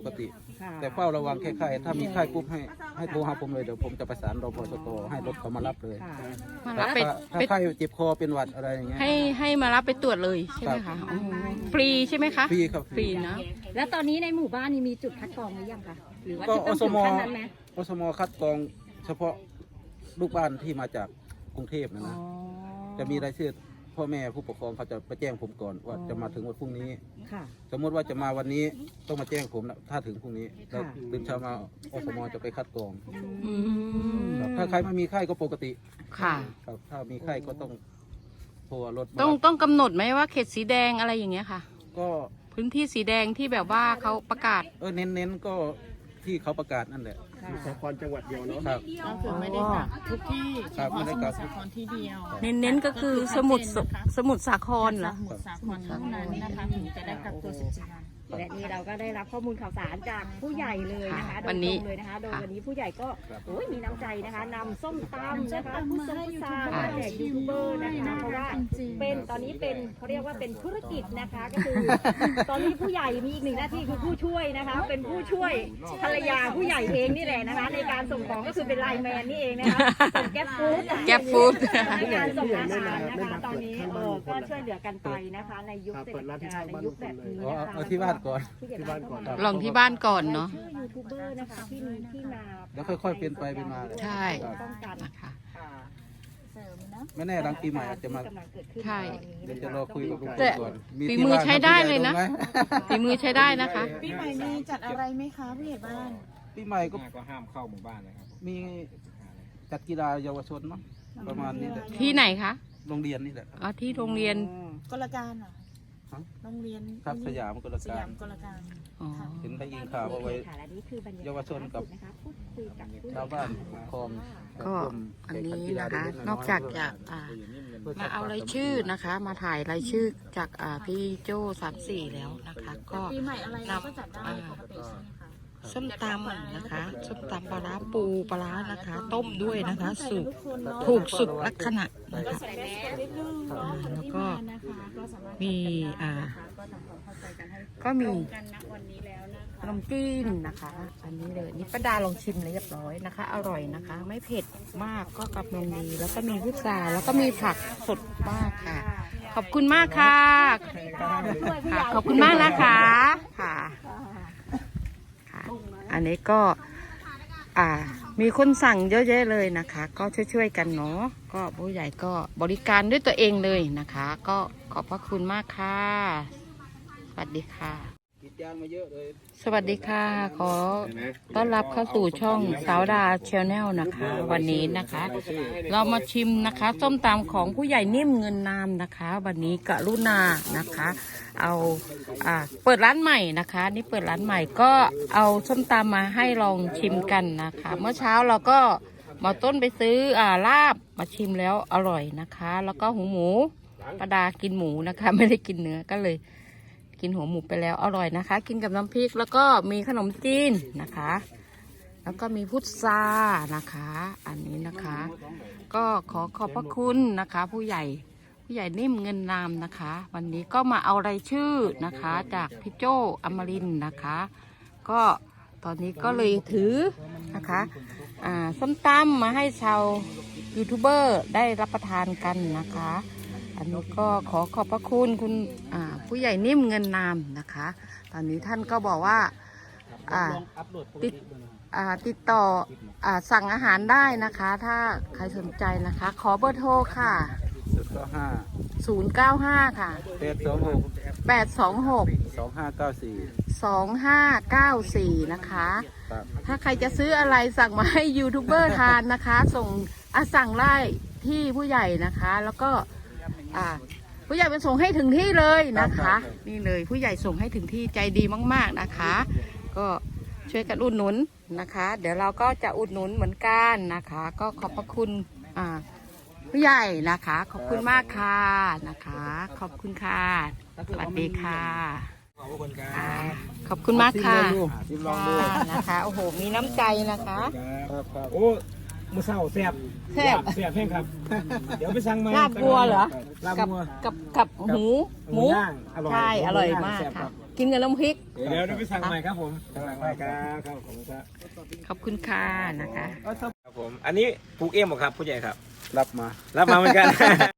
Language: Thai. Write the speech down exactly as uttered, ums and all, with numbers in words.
กติแต่เฝ้าระวังแค่ไข้ถ้ามีไข้ปุ๊บให้ให้โทรหาผมเลยเดี๋ยวผมจะประสานรพสตให้รถเขามารับเลยมารับไปถ้าไข้เจ็บคอเป็นหวัดอะไรอย่างเงี้ยให้ให้มารับไปตรวจเลยใช่ไหมคะอ๋อฟรีใช่ไหมคะฟรีครับฟรีนะแล้วตอนนี้ในหมู่บ้านนี่มีจุดคัดกรองหรือยังคะหรือว่าก็จะอต้องสถึงมขั้นนั้นไหมอสมคัดกรองเฉพาะลูกบ้านที่มาจากกรุงเทพนะอ๋อนะจะมีรายชื่อพ่อแม่ผู้ปกครองเขาจะไปแจ้งผมก่อนว่าจะมาถึงวันพรุ่งนี้ค่ะสมมติว่าจะมาวันนี้ต้องมาแจ้งผมนะถ้าถึงพรุ่งนี้แล้วค่ะตื่นเช้ามาอสมจะไปคัดกรองอืมครับถ้าใครไม่มีไข้ก็ปกติค่ะครับถ้ามีไข้ก็ต้องโทรรถมาต้องต้องกำหนดไหมว่าเขตสีแดงอะไรอย่างเงี้ยค่ะก็พื้นที่สีแดงที่แบบว่าเขาประกาศเออเน้นๆก็ที่เขาประกาศนั่นแหละค่ะสาครจังหวัดเดียวเนาะครับก็คือไม่ได้กักทุกที่ครับไม่ได้กักสมุทรสาครที่เดียวเน้นๆก็คือสมุดสสมุดสาครเหรอสมุทรสาครเท่านั้นนะคะถึงจะได้กักตัวสิบสี่วันและนี่เราก็ได้รับข้อมูลข่าวสารจากผู้ใหญ่เลยนะคะโดวัยนตนี้รงเลยนะคะ โดยค่ะวันนี้ผู้ใหญ่ก็ครับโอ้ยมีน้ำใจนะคะนำส้มตำนะคะส้มตำผู้มาทรงให้ผู้ซายูทูบเบอร์มาแจกยูทูบเบอร์นะคะน่าเพรักราะว่าจริงๆเป็นตอนนี้เป็นเขาเรียกว่าเป็นธุรกิจนะคะก็คือ ตอนนี้ผู้ใหญ่มีอีกหนึ่งหน้าที่คือผู้ช่วยนะคะ เป็นผู้ช่วยภรรยาผู้ใหญ่เองนี่แหละนะคะ ในการส่งของก็คือเป็นไลน์แมนนี่เองนะคะส่งแก๊ปฟู้ดแก๊ปฟู้ดในการส่งอาหารนะคะตอนนี้เออก็ช่วยเหลือกันไปนะคะ ในยุคเศรษฐกิจในยุคแบบนี้อ๋อนะคะเอาที่บ้านก่อนที่บ้านก่อนลองที่บ้านก่อนเนาะชื่อยูทูบเบอร์นะคะที่มีที่มาแล้วค่อยๆเป็นไปเป็นมาเลยใช่ป้องกันนะคะเสริมนะไม่แน่หลังปีใหม่อาจจะมากำลังเกิดขึ้นใช่เดี๋ยวจะรอคุยกับลุงแต่ก่อนฝีที่มือบ้านใช้ได้เลยนะผู้ใหญ่รู้ไหมฝีมือใช้ได้นะคะปีใหม่มีจัดอะไรไหมคะผู้ใหญ่บ้านปีใหม่ก็ก็ห้ามเข้าหมู่บ้านเลยครับมีจัดกีฬาเยาวชนเนาะประมาณนี้แหละที่ไหนคะโรงเรียนนี่แหละอ๋อที่โรงเรียนกลการเหรอฮะโรงเรียนครับสยามกลสกายาร มกลการอ๋อเห็นได้ยินข่าวว่าไว้ค่ะและนี่คือบรรยากาศเยาวชนกับนะคะพูดคุยกับผู้ชาวบ้านผู้ปกครองก็อันนี้นะคะ นอกจากจะอ่ามาเอารายชื่อนะคะ มาถ่ายรายชื่อจากอ่าพี่โจ้สามสี่แล้วนะคะ ก็ปีใหม่อะไรเราก็จัดได้ปกติใช่ไหมคะส้มตำนะคะส้มตำปลาร้าปูปลาร้านะคะ ต้มด้วยนะคะสุกถูกสุกลักษณะนะคะ อ่าแล้วก็มีอ่าก็มีขนมจีนนะคะ อันนี้เลยนี่ป้าดาลองชิมเรียบร้อยนะคะ อร่อยนะคะ ไม่เผ็ดมากก็กำลังดีแล้วก็มีพุทราแล้วก็มีผักสดมากค่ะ ขอบคุณมากค่ะค่ะ ขอบคุณมากนะคะค่ะค่ะ อันนี้ก็อ่ามีคนสั่งเยอะแยะเลยนะคะ ก็ช่วยๆกันเนาะก็ผู้ใหญ่ก็บริการด้วยตัวเองเลยนะคะ ก็ขอบพระคุณมากค่ะ สวัสดีค่ะกิจยางมาเยอะเลยสวัสดีค่ะ ขอต้อนรับเข้าสู่ช่องสาวดาชแนลนะคะ วันนี้นะคะ เรามาชิมนะคะส้มตำของผู้ใหญ่นิ่มเงินนามนะคะ วันนี้กรุณานะคะ เอาอ่าเปิดร้านใหม่นะคะ นี่เปิดร้านใหม่ก็เอาส้มตำมาให้ลองชิมกันนะคะ เมื่อเช้าเราก็มาต้นไปซื้ออ่าลาบมาชิมแล้วอร่อยนะคะ แล้วก็หูหมูประดากินหมูนะคะ ไม่ได้กินเนื้อก็เลย กินหัวหมูไปแล้วอร่อยนะคะ กินกับน้ำพริกแล้วก็มีขนมจีนนะคะ แล้วก็มีพุทรานะคะ อันนี้นะคะ ก็ขอขอบพระคุณนะคะ ผู้ใหญ่ผู้ใหญ่นิ่มเงินนามนะคะ วันนี้ก็มาเอารายชื่อนะคะ จากพี่โจอมรินทร์นะคะ ก็ตอนนี้ก็เลยถือนะคะอ่าส้มตำมาให้ชาวยูทูบเบอร์ได้รับประทานกันนะคะ อันนี้ก็ขอขอบพระคุณคุณอ่าผู้ใหญ่นิ่มเงินนามนะคะ ตอนนี้ท่านก็บอกว่าอ่าติดอ่าติดต่ออ่าสั่งอาหารได้นะคะ ถ้าใครสนใจนะคะ ขอเบอร์โทรค่ะศูนย์เก้าห้าศูนย์ เก้า ห้า ค่ะแปดสองหกแปด สอง หกสองห้าเก้าสี่สอง ห้า เก้า สี่ นะคะครับถ้าใครจะซื้ออะไรสั่งมาให้ยูทูบเบอร์ทานนะคะ ส่งอ่ะสั่งได้ที่ผู้ใหญ่นะคะ แล้วก็อ่าผู้ใหญ่เป็นส่งให้ถึงที่เลยนะคะ นี่เลยผู้ใหญ่ส่งให้ถึงที่ใจดีมากๆนะคะ ก็ช่วยกันอุดหนุนนะคะ เดี๋ยวเราก็จะอุดหนุนเหมือนกันนะคะ ก็ขอบพระคุณอ่าผู้ใหญ่นะคะ ขอบคุณมากค่ะนะคะ ขอบคุณค่ะสวัสดีค่ะค่ะขอบคุณมากค่ะชิมลองดูค่ะนะคะโอ้โหมีน้ำใจนะคะครับครับโอ้มือเศร้าแซ่บแซ่บแซ่บแห้งครับ เดี๋ยวไปสั่งมาลาบบัวเหรอลาบกับบัวกับกับหูหมูย่างอร่อยใช่อร่อยหมากแซ่บค่ะรับกินกับน้ำพริกเดี๋ยวเดี๋ยวไปสั่งใหม่ครับผมสั่งใหม่ครับครับผมครับขอบคุณค่ะนะคะครับผมอันนี้ปลูกเองหมดครับผู้ใหญ่ครับรับมารับมาเหมือนกัน